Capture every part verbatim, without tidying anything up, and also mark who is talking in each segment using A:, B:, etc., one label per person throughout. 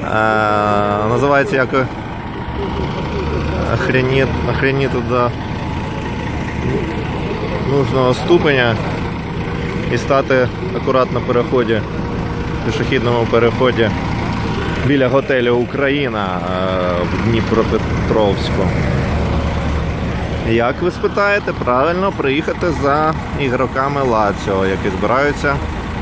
A: Е, називається як охренеть, охренеть до нужного ступеня і стати акуратно на переході, пішохідному переході біля готелю Україна в Дніпропетровську. Як ви спитаєте? Правильно, приїхати за ігроками Лаціо, які збираються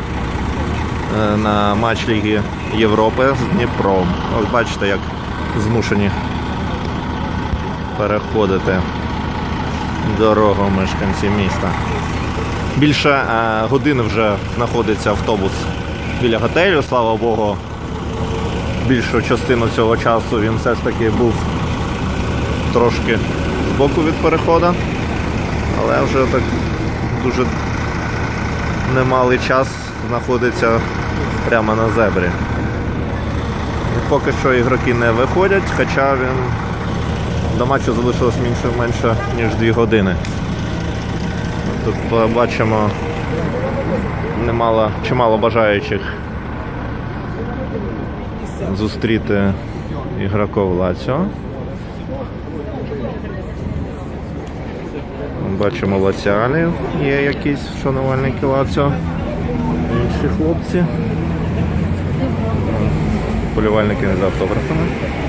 A: на матч Ліги Європи з Дніпром. Ось бачите, як змушені переходити дорогу мешканці міста. Більше е, години вже знаходиться автобус біля готелю, слава Богу. Більшу частину цього часу він все ж таки був трошки збоку від переходу, але вже так дуже немалий час знаходиться прямо на зебрі. І поки що ігроки не виходять, хоча він до матчу залишилось менше, менше ніж дві години. Тут бачимо немало, чимало бажаючих зустріти ігроків Лаціо. Бачимо лаціалів, є якісь шанувальники Лаціо, інші хлопці, полювальники за автографами.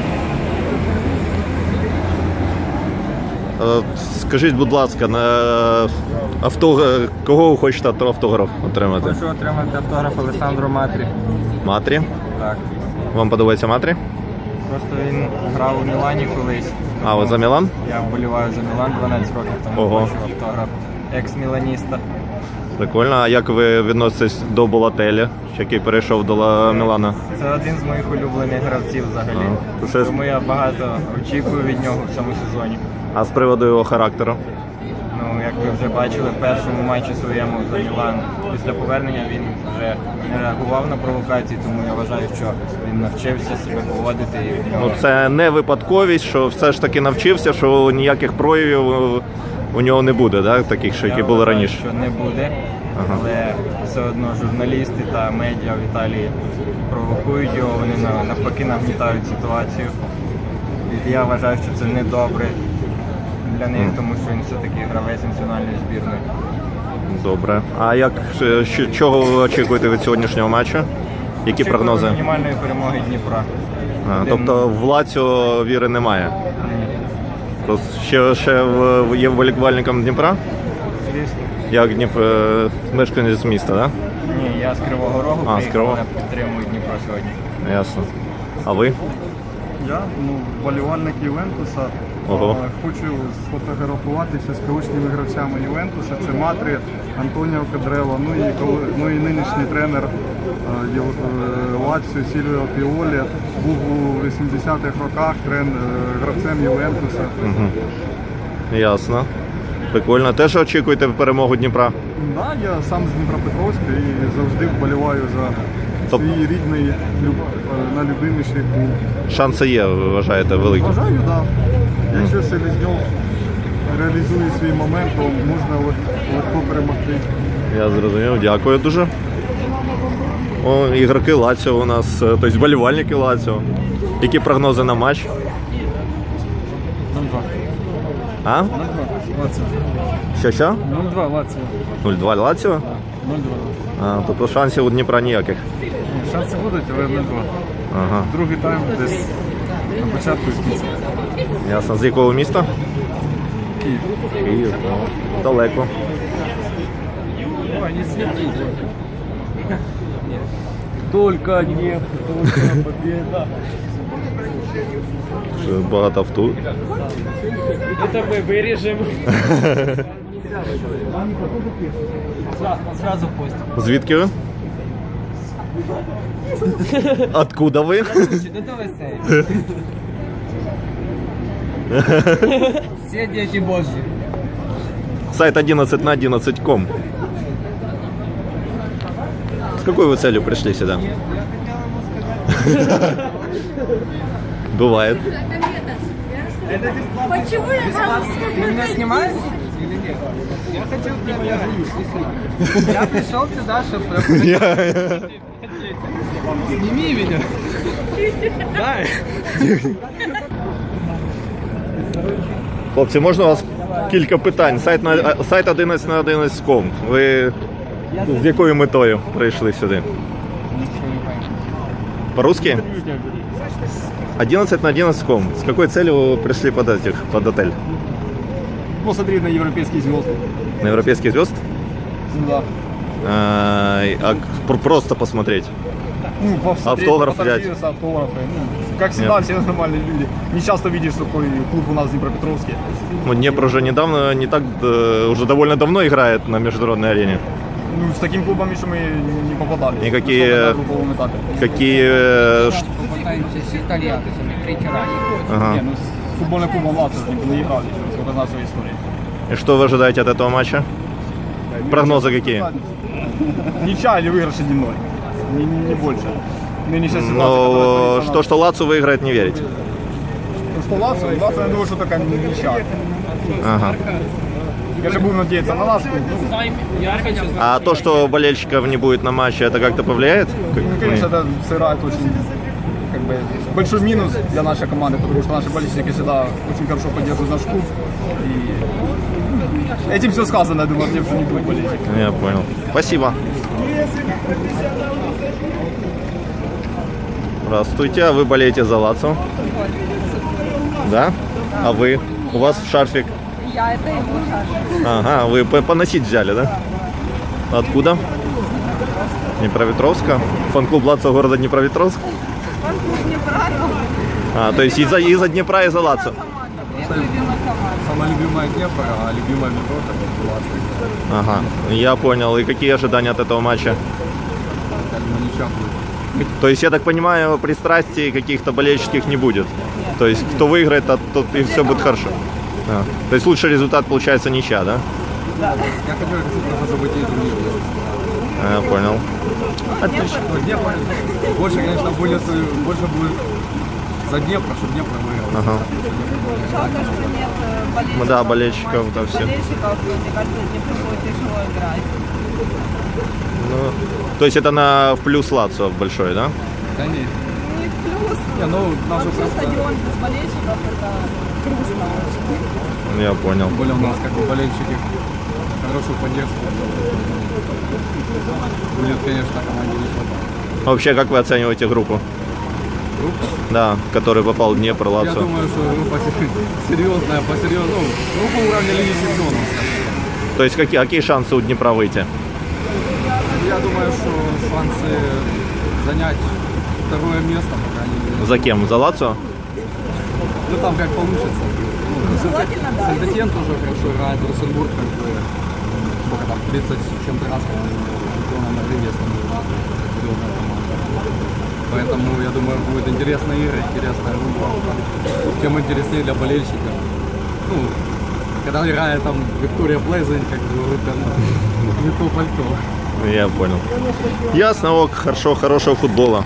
A: Скажіть, будь ласка, на авто... кого ви хочете автограф отримати?
B: Хочу отримати автограф Алессандро Матрі.
A: Матрі?
B: Так.
A: Вам подобається Матрі?
B: Просто він грав у Мілані колись.
A: А, ви за Мілан?
B: Я вболіваю за Мілан дванадцять років, тому
A: Ого.
B: хочу автограф екс-міланіста.
A: Прикольно. А як ви відноситесь до Болателі, який перейшов до Мілана?
B: Це один з моїх улюблених гравців взагалі.
A: А, щось...
B: Тому я багато очікую від нього в цьому сезоні.
A: А з приводу його характеру?
B: Ну, як ви вже бачили, в першому матчі своєму за Мілан після повернення він вже не реагував на провокації, тому я вважаю, що він навчився себе поводити. І нього...
A: Ну, це не випадковість, що все ж таки навчився, що ніяких проявів у нього не буде, да? Таких, що які
B: я
A: були
B: вважаю,
A: раніше?
B: Що не буде, ага. Але все одно журналісти та медіа в Італії провокують його, вони навпаки нагнітають ситуацію. І я вважаю, що це не добре для них, тому що він все-таки гравець національної збірної.
A: Добре. А як, що, чого ви очікуєте від сьогоднішнього матчу? Які
B: Очікую
A: прогнози?
B: Мінімальної перемоги Дніпра.
A: А, тобто в Лаціо віри немає? Ні. Ще, ще в, є вболівальником Дніпра?
B: Звісно.
A: Як Дніп... мешканець міста, так? Да?
B: Ні, я з Кривого Рогу
A: а,
B: приїхав, я підтримую Дніпро сьогодні.
A: Ясно. А ви?
C: Я, ну, вболівальник Ювентуса.
A: Ого.
C: Хочу сфотографуватися з колишніми гравцями Ювентуса. Це Матрі, Антоніо Кадрело, ну і, ну і нинішній тренер Лаціо Сільвіо Піолі. Був у вісімдесятих роках трен, гравцем Ювентуса.
A: Угу. Ясно. Прикольно. Теж очікуєте перемогу Дніпра?
C: Так, да, я сам з Дніпропетровська і завжди вболіваю за
A: Топ.
C: свій рідний, найлюбиміший клуб.
A: Шанси є, ви вважаєте, великі?
C: Вважаю, так. Да. Якщо Селезньов реалізує свій момент, то можна легко перемогти.
A: Я зрозумів, дякую дуже. О, ігроки Лаціо у нас, тобто вболівальники Лаціо. Які прогнози на матч?
B: нуль-два.
A: А?
B: нуль-два. Лаціо.
A: Що, що?
B: нуль-два Лаціо.
A: нуль-два Лаціо?
B: нуль-два.
A: А, тобто шансів у Дніпра ніяких?
B: Шанси будуть, але нуль-два.
A: Ага.
B: Другий тайм десь на початку і кінці.
A: Ясно. З якого міста?
B: Київ.
A: Київ. Далеко.
B: Ой, не свети. Только нефть, только победа.
A: Багато авто.
B: Это мы вырежем. Сразу постим.
A: Звідки ви? Откуда ви?
B: Ну давай сейв. Все дети Божьи.
A: Сайт одиннадцать на одиннадцать точка ком. С какой вы целью пришли сюда? Бывает.
D: Почему я сразу
B: Ты меня снимаешь или нет? Я хотел прям я пришел сюда, чтобы
D: Сними меня. Дай.
A: Хлопці, можна у вас кілька питань? Сайт на сайт одинадцять на одинадцять точка ком. Ви з якою метою прийшли сюди? По-русски? одиннадцать на одиннадцать точка ком. С какой целью вы пришли под, этих, под отель?
D: Посмотри на европейские звезды.
A: На европейский звезд?
D: Ну да.
A: А, а пр- просто посмотреть.
D: Ну, посмотреть,
A: Автограф
D: фотографироваться, автографы. Ну, как всегда,
A: Нет.
D: все нормальные люди. Не часто видишь такой клуб у нас в Днепропетровске.
A: Ну, Днепр уже недавно, не так, э, уже довольно давно играет на международной арене.
D: Ну, с таким клубом еще мы не попадали.
A: Никакие-
D: Особенно на групповом этапе.
A: Какие... э, ш-
E: Попытаемся с итальянцами, третий раз.
A: Ага.
D: Не, ну с футбольным клубом Лацио не играли, сколько знаю своей истории.
A: И что вы ожидаете от этого матча? Прогнозы какие?
D: Ничья или выигрыш один ноль. Не, не, не больше. Нынешняя ситуация,
A: Но
D: которая творится
A: что, что Лацо выиграет, не верите?
D: Ну, что Лацио? Лацио, я думаю, что такая ничья.
A: Ага.
D: Я же буду надеяться на нас. Ну,
A: А то, что болельщиков не будет на матче, это как-то повлияет?
D: ну, конечно, это сыграет очень как бы, большой минус для нашей команды, потому что наши болельщики всегда очень хорошо поддерживают наш клуб. И этим все сказано, я думаю, тем, что не будет болельщиков.
A: Я понял. Спасибо. Здравствуйте, а вы болеете за Лацо? Да? А вы? У вас шарфик?
F: Я это его шарфик.
A: Ага, вы по- поносить взяли, да? Откуда? Днепропетровска. Фан-клуб Лацо города Днепропетровск.
F: Не правильно.
A: А, то есть из-за из-за Днепра и за Лацо.
F: Это любимая команда.
D: Самая любимая Днепр, а любимая метро это была
A: Ага, я понял. И какие ожидания от этого матча?
D: ничья будет.
A: То есть, я так понимаю, пристрастий каких-то болельщических не будет. То есть, кто выиграет, тот, тот и все будет хорошо. А, то есть, лучший результат получается ничья, да?
D: Я хотел, чтобы быть турнир.
A: А, я понял. Отлично.
D: Днепр больше, конечно, будет, больше будет за Днепр, чтобы Днепр выиграл.
A: Ага.
F: Жалко, что нет э, болельщиков.
A: Ну да, болельщиков, да, все.
F: Болельщиков, мне кажется, не будет тяжело играть.
A: Ну, то есть, это на в плюс Лацо большой, да?
D: Да нет.
F: Не плюс.
D: Не, ну, нашу
F: Вообще
D: просто...
F: стадион без болельщиков это грустно очень.
A: Я понял.
D: Тем более у нас как бы болельщики хорошую поддержку. Будет, конечно, команде не хватать.
A: Вообще, как вы оцениваете группу?
D: Группа?
A: Да, в который попал Днепр,
D: Я
A: Лацо.
D: думаю, что группа серьезная, по серьезному. Ну, группа уровня Лиги Чемпионов.
A: То есть, какие, какие шансы у Днепра выйти?
D: Я думаю, что шансы занять второе место, по крайней мере.
A: За кем? За Лацо?
D: Ну, там как получится. Ну,
F: Желательно, да.
D: Сент-Этьен тоже хорошо играет, Росенбург как бы, сколько там, тридцать с чем-то раз, по-моему, чемпионом Норвегии становится. Серьезная команда. Поэтому, я думаю, будет интересная игра, интересная группа. Тем интереснее для болельщиков. Ну, когда играет там Виктория Плейзен, как говорят, там, не то пальто.
A: Я понял. Ясно, ок, хорошо, хорошего футбола.